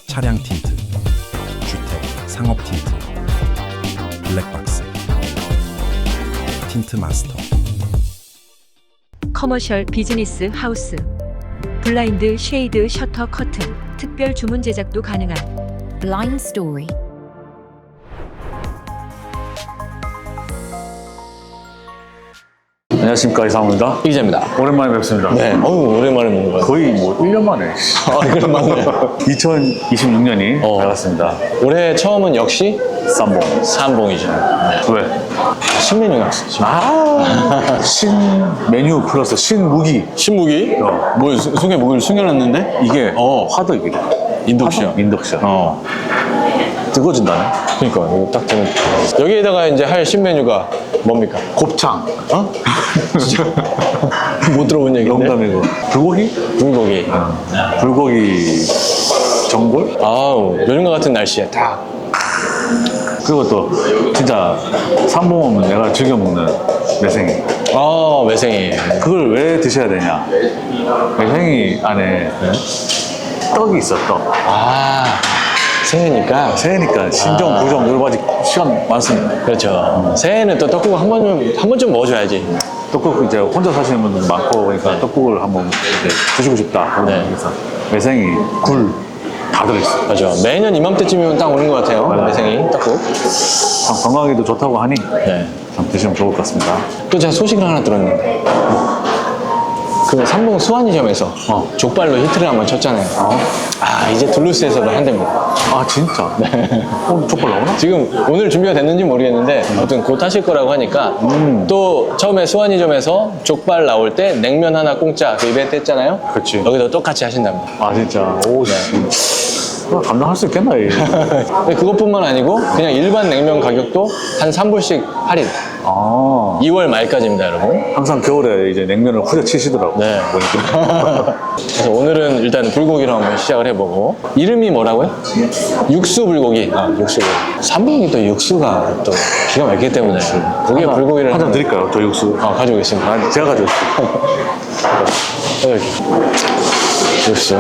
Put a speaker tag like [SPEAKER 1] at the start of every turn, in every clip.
[SPEAKER 1] 차량 틴트, 주택, 상업 틴트, 블랙박스, 틴트 마스터.
[SPEAKER 2] 커머셜 비즈니스 하우스, 블라인드, 쉐이드, 셔터, 커튼, 특별 주문 제작도 가능한
[SPEAKER 3] Blind Story.
[SPEAKER 4] 안녕하십니까, 이상호입니다.
[SPEAKER 5] 이기자입니다.
[SPEAKER 4] 오랜만에 뵙습니다.
[SPEAKER 5] 네, 오랜만에 먹는 거예요.
[SPEAKER 4] 거의 뭐 1년 만에.
[SPEAKER 5] 그런 맞네.
[SPEAKER 4] 2026년이 밝았습니다.
[SPEAKER 5] 올해 처음은 역시
[SPEAKER 4] 쌈봉.
[SPEAKER 5] 삼봉이죠. 네.
[SPEAKER 4] 왜?
[SPEAKER 5] 신메뉴 나왔어.
[SPEAKER 4] 신 메뉴 플러스 신무기.
[SPEAKER 5] 신무기? 뭐 속에 무기를 숨겨놨는데?
[SPEAKER 4] 이게 화덕이래.
[SPEAKER 5] 인덕션.
[SPEAKER 4] 인덕션. 뜨거워진다네.
[SPEAKER 5] 그러니까 이거 딱 되면 여기에다가 이제 할 신메뉴가 뭡니까?
[SPEAKER 4] 곱창.
[SPEAKER 5] 진짜 못 들어본 얘기인데.
[SPEAKER 4] 농담이고. 불고기?
[SPEAKER 5] 불고기.
[SPEAKER 4] 불고기 전골?
[SPEAKER 5] 아우 요즘과 같은 날씨에 딱.
[SPEAKER 4] 그리고 또 진짜 쌈봉은 내가 즐겨 먹는 매생이.
[SPEAKER 5] 매생이.
[SPEAKER 4] 그걸 왜 드셔야 되냐? 매생이 안에 떡이 있어, 떡.
[SPEAKER 5] 새해니까.
[SPEAKER 4] 새해니까 신정, 구정 여러 가지 시간 많습니다.
[SPEAKER 5] 그렇죠. 새해는 또 떡국 한 번쯤 먹어줘야지.
[SPEAKER 4] 떡국 이제 혼자 사시는 분들 많고 그러니까 떡국을 한번 이제 드시고 싶다.
[SPEAKER 5] 네.
[SPEAKER 4] 그래서 매생이, 굴 다 들어있어요.
[SPEAKER 5] 맞아. 매년 이맘때쯤이면 딱 오는 것 같아요. 매생이 떡국.
[SPEAKER 4] 참 건강에도 좋다고 하니
[SPEAKER 5] 네.
[SPEAKER 4] 참 드시면 좋을 것 같습니다.
[SPEAKER 5] 또 제가 소식을 하나 들었는데 그 삼봉 수완이점에서 족발로 히트를 한번 쳤잖아요. 이제 둘루스에서도 한답니다.
[SPEAKER 4] 아 진짜? 네. 오늘 족발 나오나?
[SPEAKER 5] 지금 오늘 준비가 됐는지 모르겠는데 아무튼 곧 하실 거라고 하니까 또 처음에 수완이점에서 족발 나올 때 냉면 하나 공짜 그 이벤트 했잖아요.
[SPEAKER 4] 그치.
[SPEAKER 5] 여기도 똑같이 하신답니다.
[SPEAKER 4] 아 진짜? 오, 감당할 수 있겠나?
[SPEAKER 5] 근데 그것뿐만 아니고 그냥 일반 냉면 가격도 한 3불씩 할인. 2월 말까지입니다, 여러분.
[SPEAKER 4] 항상 겨울에 이제 냉면을 후려치시더라고.
[SPEAKER 5] 네.
[SPEAKER 4] 보니까.
[SPEAKER 5] 그래서 오늘은 일단 불고기로 한번 시작을 해보고. 이름이 뭐라고요? 육수 불고기. 육수 불고기. 삼봉이 또 육수가 또 기가 막히기 때문에 고기에 불고기를
[SPEAKER 4] 한 잔 드릴까요? 저 육수.
[SPEAKER 5] 가지고 있습니다.
[SPEAKER 4] 제가 가져올게요.
[SPEAKER 5] 여기 육수.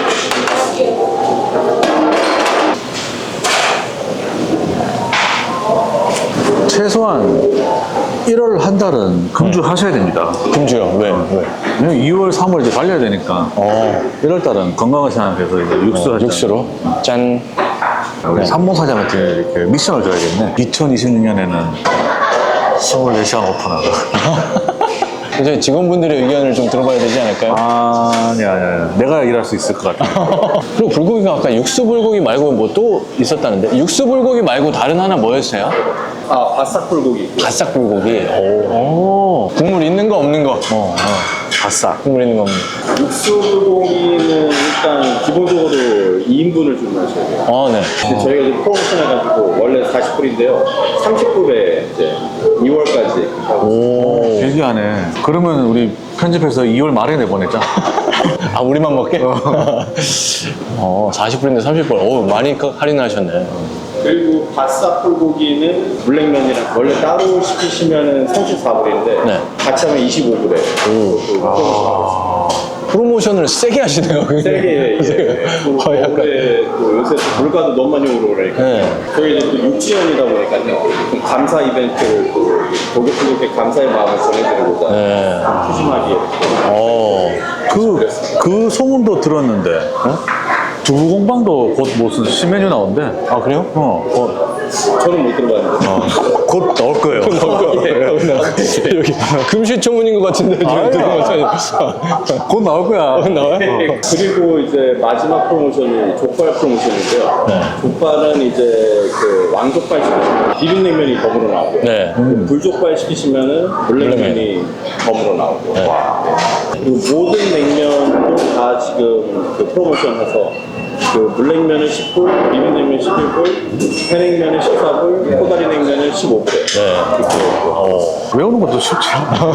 [SPEAKER 4] 최소한 1월 한 달은 금주하셔야 됩니다.
[SPEAKER 5] 금주요? 왜?
[SPEAKER 4] 왜냐면 2월, 3월 이제 달려야 되니까 1월 달은 건강을 생각해서 이제 육수 하자.
[SPEAKER 5] 육수로. 짠.
[SPEAKER 4] 우리 삼봉사장 같은 경우에 이렇게 미션을 줘야겠네. 2026년에는 24시간 오픈하다.
[SPEAKER 5] 이제 직원분들의 의견을 좀 들어봐야 되지 않을까요?
[SPEAKER 4] 아니야. 내가 일할 수 있을 것 같아.
[SPEAKER 5] 그리고 불고기가 아까 육수 불고기 말고 뭐 또 있었다는데 육수 불고기 말고 다른 하나 뭐였어요?
[SPEAKER 6] 바싹 불고기.
[SPEAKER 5] 바싹 불고기. 오. 국물 있는 거 없는 거?
[SPEAKER 4] 바싹.
[SPEAKER 5] 국물 있는 거 없는 거.
[SPEAKER 6] 육수 불고기는 일단 기본적으로 2인분을 주문하셔야 돼요.
[SPEAKER 5] 네.
[SPEAKER 6] 근데 저희가 지금 프로모션 해가지고 원래 40불인데요. 30불에 이제 2월까지 하고
[SPEAKER 4] 길게 하네. 그러면 우리 편집해서 2월 말에 내보내자.
[SPEAKER 5] 우리만 먹게? 40불인데 30불. 많이 할인하셨네.
[SPEAKER 6] 그리고 바싹 불고기는 물냉면이랑 원래 따로 시키시면은 34불인데
[SPEAKER 5] 네.
[SPEAKER 6] 같이 하면 25불에
[SPEAKER 5] 프로모션을 세게 하시네요.
[SPEAKER 6] 세게 겨울에 또 요새 또 물가도 너무 많이 오르고 그러니까 저희 이제 또 6주년이다 보니까요 좀 감사 이벤트를 또 고객분들께 감사의 마음을 전해드리고자 푸짐하게
[SPEAKER 4] 그 소문도 들었는데, 두부공방도 곧 무슨 신메뉴 나온대.
[SPEAKER 5] 그래요?
[SPEAKER 6] 저는 못 들어봤는데
[SPEAKER 4] 곧 나올 거예요.
[SPEAKER 5] 여기 금시초문인 것 같은데
[SPEAKER 4] 곧 나올 거야.
[SPEAKER 5] 나와요?
[SPEAKER 6] 그리고 이제 마지막 프로모션이 족발 프로모션인데요 족발은 이제 그 왕족발 시키시면 비빔냉면이 덤으로 나오고요
[SPEAKER 5] 네.
[SPEAKER 6] 불족발 시키시면은 물냉면이 덤으로 나오고 그리고 모든 냉면도 다 지금 그 프로모션 해서 그 물냉면은 10불, 비빔냉면 11불, 회냉면은 14불, 코다리 냉면은 15불에
[SPEAKER 4] 외우는 것도 쉽지 않아.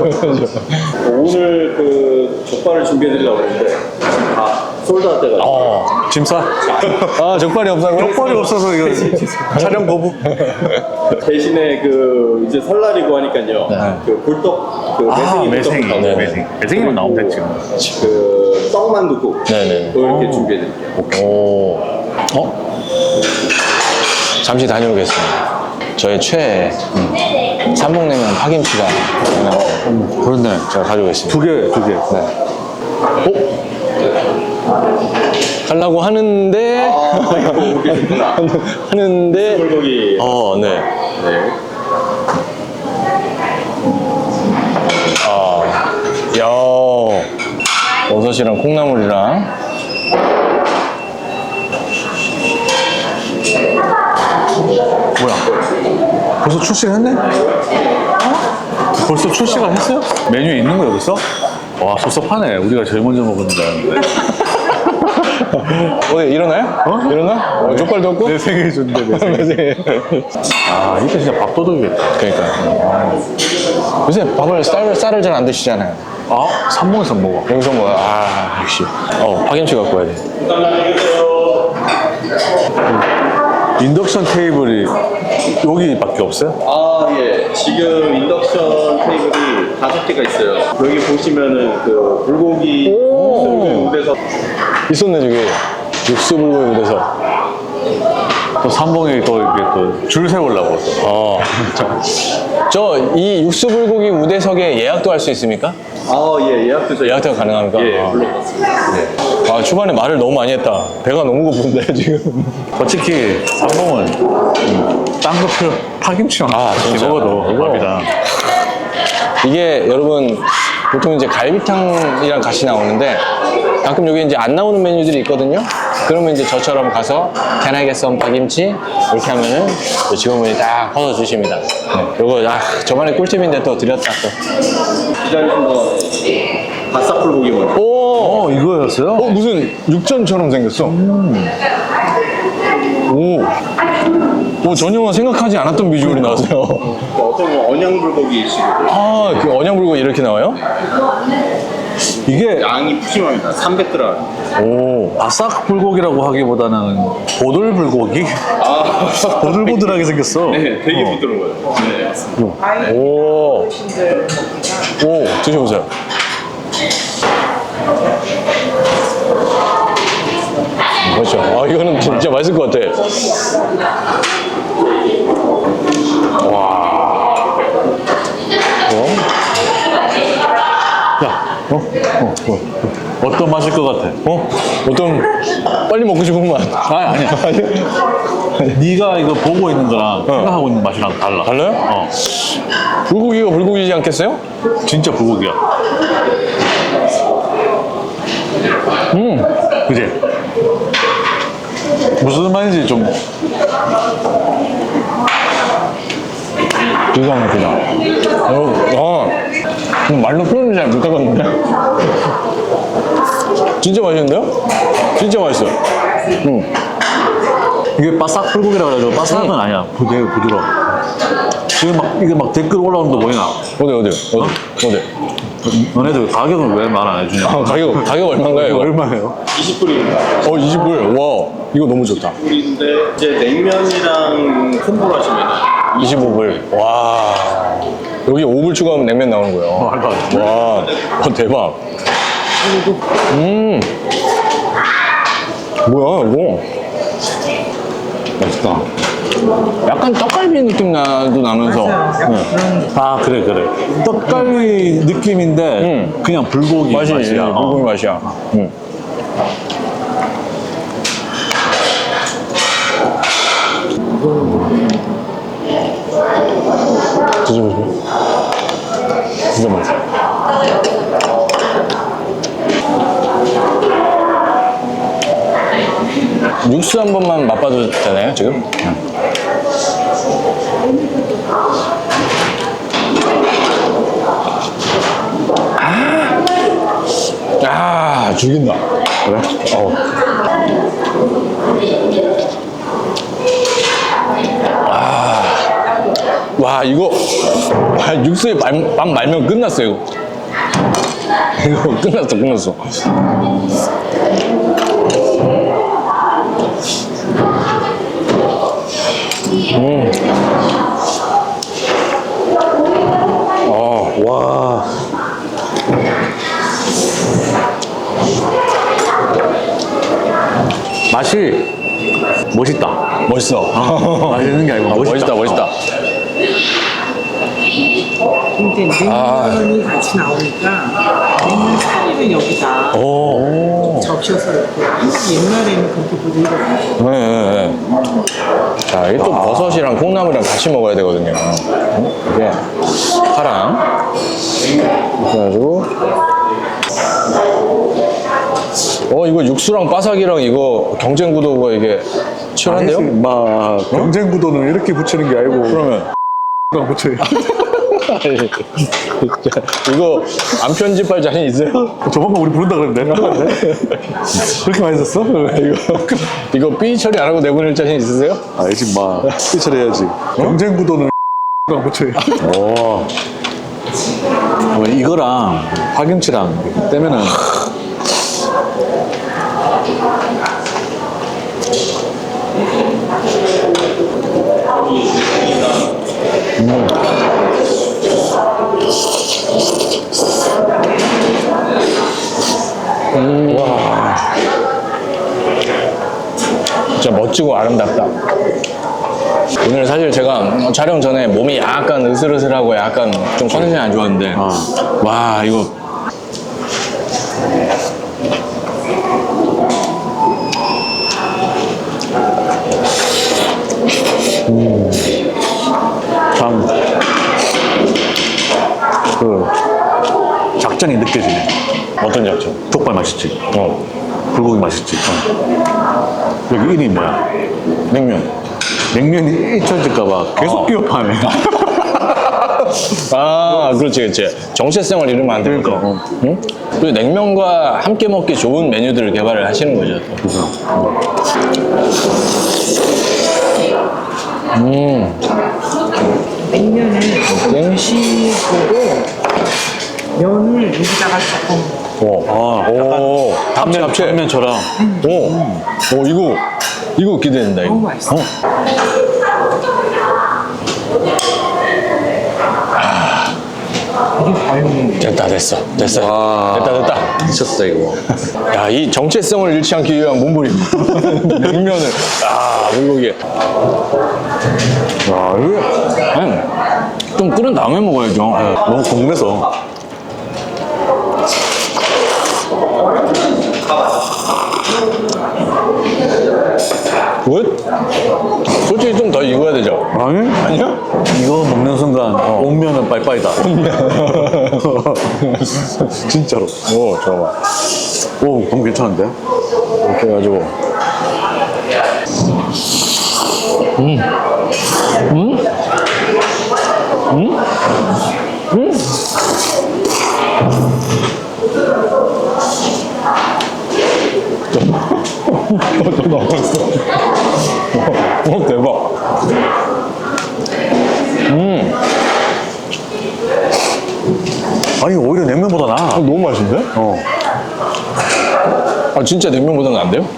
[SPEAKER 6] 오늘 그 족발을 준비해드리려고 했는데 다 솔드아웃 돼가지고
[SPEAKER 4] 짐 싸?
[SPEAKER 5] 족발이 없어서
[SPEAKER 4] 족발이 없어서 이거 촬영 거부.
[SPEAKER 6] 대신에 그 이제 설날이고 하니까요 그 굴떡 그 매생이
[SPEAKER 4] 매생이.
[SPEAKER 6] 굴떡하고
[SPEAKER 4] 매생이만 나오면 됐지.
[SPEAKER 6] 그 떡만두국
[SPEAKER 5] 네네.
[SPEAKER 6] 이렇게 준비해드릴게요.
[SPEAKER 5] 잠시 다녀오겠습니다. 저의 최애 삼봉냉면 파김치가
[SPEAKER 4] 그렇네.
[SPEAKER 5] 제가 가져오겠습니다.
[SPEAKER 4] 두 개.
[SPEAKER 5] 네. 가려고 하는데 하는데
[SPEAKER 6] 불고기.
[SPEAKER 5] 네.
[SPEAKER 6] 네.
[SPEAKER 5] 야, 버섯이랑 콩나물이랑
[SPEAKER 4] 뭐야? 벌써 출시를 했네? 벌써 출시가 했어요? 메뉴에 있는 거 여기 있어? 와, 섭섭하네. 우리가 제일 먼저 먹었는데.
[SPEAKER 5] 오늘 일어나요? 일어나? 족발도 없고?
[SPEAKER 4] 내 생일 준대, 내 생일.
[SPEAKER 5] 네.
[SPEAKER 4] 아, 이때 진짜 밥도둑이겠다.
[SPEAKER 5] 그러니까 요새 밥을 쌀을 잘 안 드시잖아요.
[SPEAKER 4] 아, 삼봉에서 먹어.
[SPEAKER 5] 여기서 뭐야? 역시 파김치 갖고 와야 돼.
[SPEAKER 4] 인덕션 테이블이 여기밖에 없어요?
[SPEAKER 6] 아, 예. 지금 인덕션 테이블이 5개가 있어요. 여기 보시면은 그 불고기 무대서
[SPEAKER 5] 있었네 저기 육수 불고기 무대서.
[SPEAKER 4] 또 삼봉이 또 이렇게 또 줄 세우려고.
[SPEAKER 5] 저 이 육수 불고기 우대석에 예약도 할 수 있습니까?
[SPEAKER 6] 아, 예. 예약도 저희
[SPEAKER 5] 예약도 가능합니까?
[SPEAKER 6] 예, 물론.
[SPEAKER 5] 아, 초반에 말을 너무 많이 했다. 배가 너무 고픈데 지금.
[SPEAKER 4] 솔직히 삼봉은 딴 거 필요 파김치만
[SPEAKER 5] 진짜.
[SPEAKER 4] 먹어도
[SPEAKER 5] 이거.
[SPEAKER 4] 밥이다.
[SPEAKER 5] 이게 여러분 보통 이제 갈비탕이랑 같이 나오는데 가끔 여기 이제 안 나오는 메뉴들이 있거든요. 그러면 이제 저처럼 가서 Can I get some 파김치? 이렇게 하면은 직원분이 딱 퍼서 주십니다. 네. 요거 저만의 꿀팁인데 또 드렸다 또.
[SPEAKER 6] 기다리신 거 바싹 불고기 먼저.
[SPEAKER 5] 오,
[SPEAKER 4] 이거였어요?
[SPEAKER 5] 무슨 육전처럼 생겼어. 오, 전혀 생각하지 않았던 비주얼이 나왔어요.
[SPEAKER 6] 어떤 거 언양 불고기식으로.
[SPEAKER 5] 그 언양불고 이렇게 나와요?
[SPEAKER 4] 이게
[SPEAKER 6] 양이 푸짐합니다. 300g.
[SPEAKER 5] 오,
[SPEAKER 4] 바싹 불고기라고 하기보다는 보들 불고기?
[SPEAKER 6] 아,
[SPEAKER 4] 보들보들하게 생겼어.
[SPEAKER 6] 네, 되게 부드러워요. 네, 맞습니다.
[SPEAKER 5] 오, 드셔보세요. 그렇죠. 이거는 진짜 맛있을 것 같아. 와.
[SPEAKER 4] 야, 어떤 맛일 것 같아?
[SPEAKER 5] 어떤 빨리 먹고 싶은 맛.
[SPEAKER 4] 아니야. 네가 이거 보고 있는 거랑 생각하고 있는 맛이랑 달라.
[SPEAKER 5] 달라요? 불고기가 불고기지 않겠어요?
[SPEAKER 4] 진짜 불고기야. 그지? 무슨 말인지 좀
[SPEAKER 5] 기가 막히다. 말로 표현을 잘 못하겠는데? 진짜 맛있는데요? 진짜 맛있어요.
[SPEAKER 4] 이게 바싹 불고기라 그래가지고 바싹은 아니야. 되게 부드러워. 지금 막 이게 막 댓글 올라오는 거 보이나?
[SPEAKER 5] 어디?
[SPEAKER 4] 너네들 가격을 왜 말 안 해주냐?
[SPEAKER 5] 가격 얼마인가요? 이거?
[SPEAKER 4] 얼마예요?
[SPEAKER 6] 20불입니다.
[SPEAKER 5] 20불. 와, 이거 너무 좋다.
[SPEAKER 6] 20불인데 이제 냉면이랑 콤보로 하시면
[SPEAKER 5] 25불. 와. 여기 5불 추가하면 냉면 나오는 거예요.
[SPEAKER 4] 말도 안 돼.
[SPEAKER 5] 와, 대박. 뭐야, 이거? 맛있다. 약간 떡갈비 느낌 나도 나면서.
[SPEAKER 4] 아 그래. 떡갈비 느낌인데 그냥 불고기
[SPEAKER 5] 맛이
[SPEAKER 4] 맛이야.
[SPEAKER 5] 불고기 맛이야. 드셔보세요. 진짜 맛있어. 육수 한 번만 맛봐도 되나요, 지금? 죽인다. 그래? 와, 이거 육수에 밥 말면 끝났어, 이거. 이거 끝났어.
[SPEAKER 4] 와. 맛이 멋있다.
[SPEAKER 5] 멋있어.
[SPEAKER 4] 맛있는 게 아니고 멋있다.
[SPEAKER 5] 멋있다.
[SPEAKER 3] 근데 냉면이 같이 나오니까 냉면 사리를 여기다
[SPEAKER 5] 오.
[SPEAKER 3] 적셔서 이렇게 옛날에는 그렇게 보더라고요.
[SPEAKER 5] 네. 자, 이게 또 버섯이랑 콩나물이랑 같이 먹어야 되거든요. 이게 파랑. 그래가지고. 이거 육수랑 바삭이랑 이거 경쟁 구도가 이게 치열한데요?
[SPEAKER 4] 막 경쟁 구도는 이렇게 붙이는 게 아니고
[SPEAKER 5] 그러면.
[SPEAKER 4] 붙여요.
[SPEAKER 5] 이거 안 편집할 자신 있어요?
[SPEAKER 4] 저번에 우리 부른다 그랬는데 그렇게 맛있었어?
[SPEAKER 5] 이거 삐 처리 안 하고 내보낼 자신 있으세요?
[SPEAKER 4] 알지 마. 피처리해야지. 경쟁 구도는 붙여요. 오. 이거랑 파김치랑 이렇게 떼면은
[SPEAKER 5] 진짜 멋지고 아름답다. 오늘 사실 제가 촬영 전에 몸이 약간 으슬으슬하고 약간 좀 컨디션이 안 좋았는데 와 이거
[SPEAKER 4] 참 그 작전이 느껴지네.
[SPEAKER 5] 어떤 작전?
[SPEAKER 4] 족발 맛있지?
[SPEAKER 5] 어
[SPEAKER 4] 불고기 맛있지? 여기 이름이 뭐야?
[SPEAKER 5] 냉면.
[SPEAKER 4] 냉면이 잊혀질까봐 계속 기억하네.
[SPEAKER 5] 아 그렇지. 정체성을 잃으면 안 되니까.
[SPEAKER 4] 그러니까.
[SPEAKER 5] 응? 그리고 냉면과 함께 먹기 좋은 메뉴들을 개발을 하시는 거죠.
[SPEAKER 3] 냉면을 드시고 면을 여기다가 조금
[SPEAKER 5] 오, 합체.
[SPEAKER 4] 당면처럼.
[SPEAKER 5] 이거 기대된다.
[SPEAKER 3] 너무
[SPEAKER 5] 이거.
[SPEAKER 3] 맛있어. 이게 과연
[SPEAKER 5] 됐어.
[SPEAKER 4] 와.
[SPEAKER 5] 됐다.
[SPEAKER 4] 미쳤다 이거.
[SPEAKER 5] 야, 이 정체성을 잃지 않기 위한 몸부림. 냉면을. 불고기.
[SPEAKER 4] 와 이거
[SPEAKER 5] 좀 끓은 다음에 먹어야죠.
[SPEAKER 4] 너무 궁금해서.
[SPEAKER 5] 굿? 솔직히 좀 더 익어야 되죠?
[SPEAKER 4] 아니?
[SPEAKER 5] 아니야?
[SPEAKER 4] 이거 먹는 순간 온면은 빠이빠이다. 진짜로.
[SPEAKER 5] 오, 잠깐만.
[SPEAKER 4] 오 너무 괜찮은데?
[SPEAKER 5] 이렇게 해가지고. 또 나왔어. 대박.
[SPEAKER 4] 아니 오히려 냉면보다 나아.
[SPEAKER 5] 너무 맛있는데? 진짜 냉면보다는 안 돼요?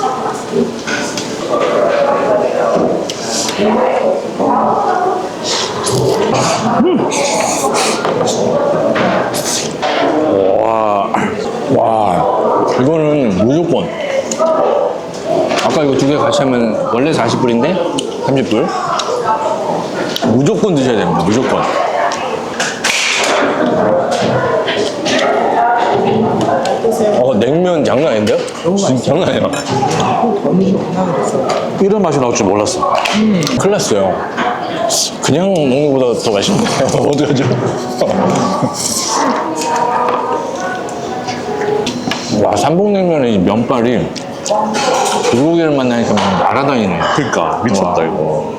[SPEAKER 5] 와, 이거는 무조건. 아까 이거 두 개 같이 하면 원래 40불인데 30불. 무조건 드셔야 됩니다. 무조건. 냉면 장난 아닌데요? 진짜 장난 아니야.
[SPEAKER 4] 이런 맛이 나올 줄 몰랐어.
[SPEAKER 5] 큰일 났어요. 그냥 먹는 것보다 더 맛있네요. 어떡하죠? 와, 삼봉냉면의 이 면발이 불고기를 만나니까 막 날아다니네.
[SPEAKER 4] 그러니까 미쳤다
[SPEAKER 5] 와.
[SPEAKER 4] 이거.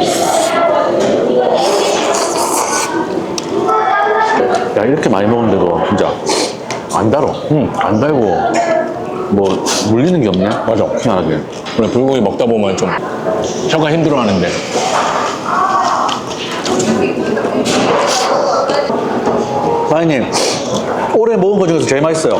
[SPEAKER 4] 야 이렇게 많이 먹는데도 진짜 안 달어. 안 달고 뭐 물리는 게 없냐?
[SPEAKER 5] 맞아.
[SPEAKER 4] 희한하게.
[SPEAKER 5] 원래 불고기 먹다 보면 좀 혀가 힘들어하는데.
[SPEAKER 4] 사장님 올해 먹은 거 중에서 제일 맛있어요.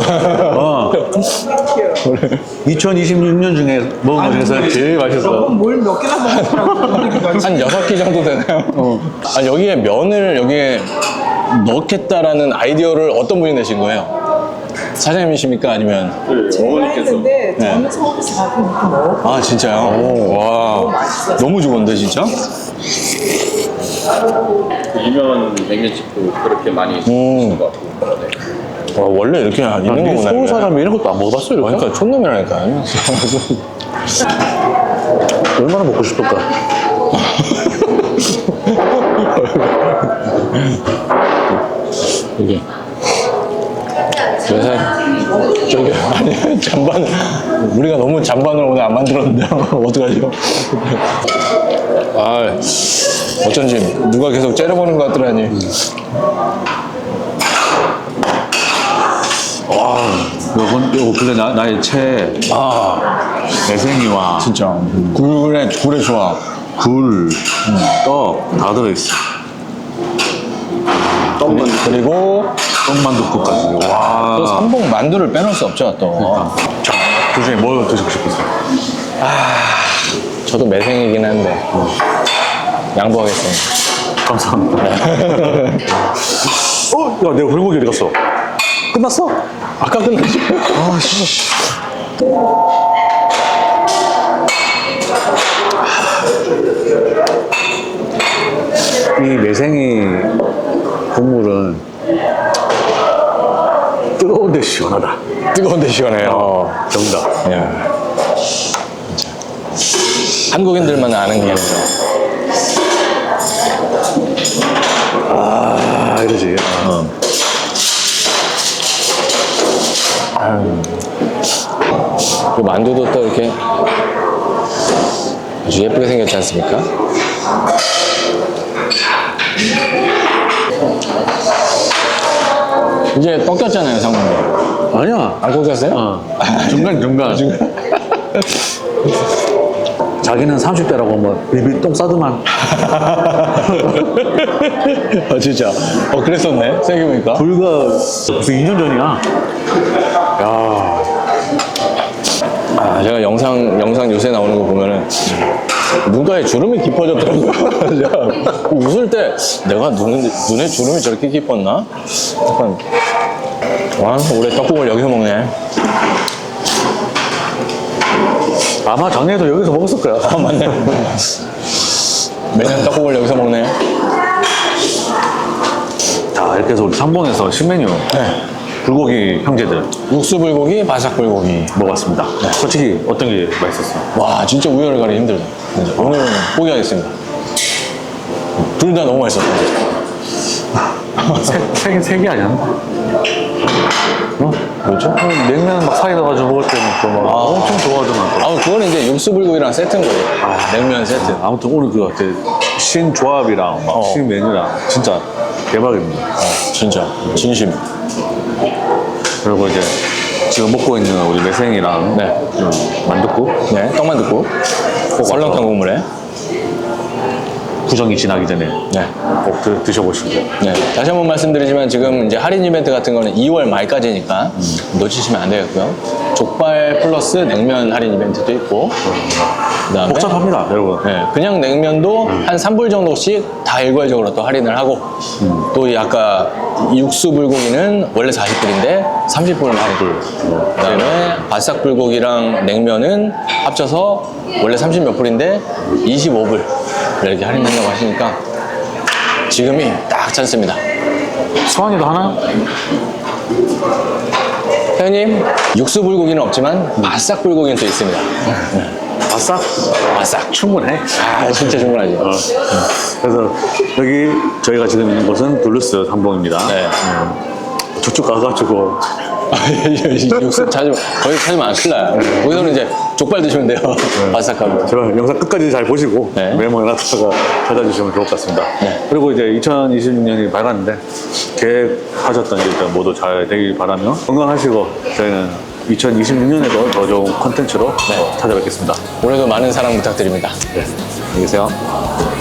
[SPEAKER 4] 2026년 중에 먹은 거 중에서 제일 맛있어.
[SPEAKER 3] 뭘 몇 개나 먹었더라고.
[SPEAKER 5] 한 6끼 정도 되나요? 여기에 면을 여기에 넣겠다라는 아이디어를 어떤 분이 내신 거예요? 사장님이십니까? 아니면?
[SPEAKER 6] 어머니께서.
[SPEAKER 3] 했는데
[SPEAKER 5] 네.
[SPEAKER 3] 저는 서울에서 가끔 이렇게 먹어.
[SPEAKER 5] 아, 진짜요? 와. 너무 좋은데, 진짜?
[SPEAKER 6] 그 유명한 냉면집도 그렇게 많이 드시는 것 같고. 네.
[SPEAKER 5] 와, 원래 이렇게 있는 거구나.
[SPEAKER 4] 서울
[SPEAKER 5] 이게.
[SPEAKER 4] 사람이 이런 것도 안 먹어봤어 이렇게?
[SPEAKER 5] 그러니까 촌놈이라니까요.
[SPEAKER 4] 얼마나 먹고 싶을까?
[SPEAKER 5] 이게. 그래서 저기 아니 잔반 우리가 너무 잔반을 오늘 안 만들었는데 어떡하죠? 아 어쩐지 누가 계속 째려보는 것 같더라니.
[SPEAKER 4] 이거 근데 나의 최 매생이와
[SPEAKER 5] 진짜 굴의 조합.
[SPEAKER 4] 굴, 떡 다 들어있어.
[SPEAKER 5] 그리고
[SPEAKER 4] 떡만둣국까지. 와.
[SPEAKER 5] 또 삼봉 만두를 빼놓을 수 없죠 또.
[SPEAKER 4] 자, 그 중에 뭐 드시고 싶으세요?
[SPEAKER 5] 저도 매생이긴 한데 양보하겠습니다.
[SPEAKER 4] 감사합니다. 야, 내가 불고기 어디 갔어? 끝났어?
[SPEAKER 5] 아까 끝났지?
[SPEAKER 4] 아, 씨. 이 매생이 국물은 뜨거운데 시원하다.
[SPEAKER 5] 뜨거운데 시원해요.
[SPEAKER 4] 정답.
[SPEAKER 5] 야. 한국인들만 아는 게 아니죠.
[SPEAKER 4] 아, 이러지.
[SPEAKER 5] 그 만두도 또 이렇게 아주 예쁘게 생겼지 않습니까? 이제 꺾였잖아요, 상무님.
[SPEAKER 4] 아니야.
[SPEAKER 5] 안 꺾였어요?
[SPEAKER 4] 중간. 자기는 30대라고 뭐 비비 똥 싸더만.
[SPEAKER 5] 아, 진짜. 그랬었네, 생각해보니까.
[SPEAKER 4] 불과 무슨 2년 전이야. 야.
[SPEAKER 5] 아, 제가 영상 요새 나오는 거 보면은 눈가에 주름이 깊어졌더라고요. 제가 웃을 때 내가 눈에 주름이 저렇게 깊었나? 약간, 와, 올해 떡국을 여기서 먹네.
[SPEAKER 4] 아마 작년에도 여기서 먹었을 거야.
[SPEAKER 5] 아, 맞네. 매년 떡국을 여기서 먹네.
[SPEAKER 4] 자, 이렇게 해서 우리 삼봉에서 신메뉴. 불고기 형제들
[SPEAKER 5] 육수 불고기, 바삭 불고기.
[SPEAKER 4] 먹었습니다. 솔직히 어떤 게 맛있었어?
[SPEAKER 5] 와, 진짜 우열을 가리기 힘들다. 진짜. 오늘은 포기하겠습니다. 둘 다 너무 맛있었다.
[SPEAKER 4] 세 개 아니야? 어?
[SPEAKER 5] 뭐죠?
[SPEAKER 4] 냉면 막 사이다 가지고 먹을 때는 또 막 엄청 좋아하더만.
[SPEAKER 5] 아, 그거는 이제 육수 불고기랑 세트인 거예요. 냉면 세트.
[SPEAKER 4] 아무튼 오늘 그 신조합이랑 막 신메뉴랑 진짜 대박입니다.
[SPEAKER 5] 진짜 진심.
[SPEAKER 4] 그리고 이제 지금 먹고 있는 우리 매생이랑
[SPEAKER 5] 네.
[SPEAKER 4] 만둣국
[SPEAKER 5] 네, 떡만둣국. 설렁탕 국물에.
[SPEAKER 4] 구정이 지나기 전에
[SPEAKER 5] 네.
[SPEAKER 4] 꼭 드셔보시고.
[SPEAKER 5] 네. 다시 한번 말씀드리지만 지금 이제 할인 이벤트 같은 거는 2월 말까지니까 놓치시면 안 되겠고요. 족발 플러스 냉면 할인 이벤트도 있고. 그다음에
[SPEAKER 4] 복잡합니다, 여러분.
[SPEAKER 5] 네, 그냥 냉면도 한 3불 정도씩 다 일괄적으로 또 할인을 하고 또 이 아까 육수 불고기는 원래 40불인데 30불 할인. 그다음에 바싹 불고기랑 냉면은 합쳐서 원래 30 몇 불인데 25불 이렇게 할인된다고 하시니까 지금이 딱 찬스입니다.
[SPEAKER 4] 수환이도 하나?
[SPEAKER 5] 회원님, 육수 불고기는 없지만 바싹 불고기는 또 있습니다.
[SPEAKER 4] 바싹?
[SPEAKER 5] 바싹.
[SPEAKER 4] 충분해.
[SPEAKER 5] 아, 진짜 충분하지.
[SPEAKER 4] 그래서 여기 저희가 지금 있는 곳은 블루스 삼봉입니다.
[SPEAKER 5] 네.
[SPEAKER 4] 저쪽 가가지고
[SPEAKER 5] 육수 거기 찾으면 안 큰일 나요. 거기서는 이제 족발 드시면 돼요. 바삭하고.
[SPEAKER 4] 제발 영상 끝까지 잘 보시고
[SPEAKER 5] 네.
[SPEAKER 4] 메모해놨다가 찾아주시면 좋을 것 같습니다.
[SPEAKER 5] 네.
[SPEAKER 4] 그리고 이제 2026년이 밝았는데 계획하셨던 일들 모두 잘 되길 바라며 건강하시고 저희는 2026년에도 더 좋은 콘텐츠로 찾아뵙겠습니다.
[SPEAKER 5] 올해도 많은 사랑 부탁드립니다.
[SPEAKER 4] 안녕히 계세요.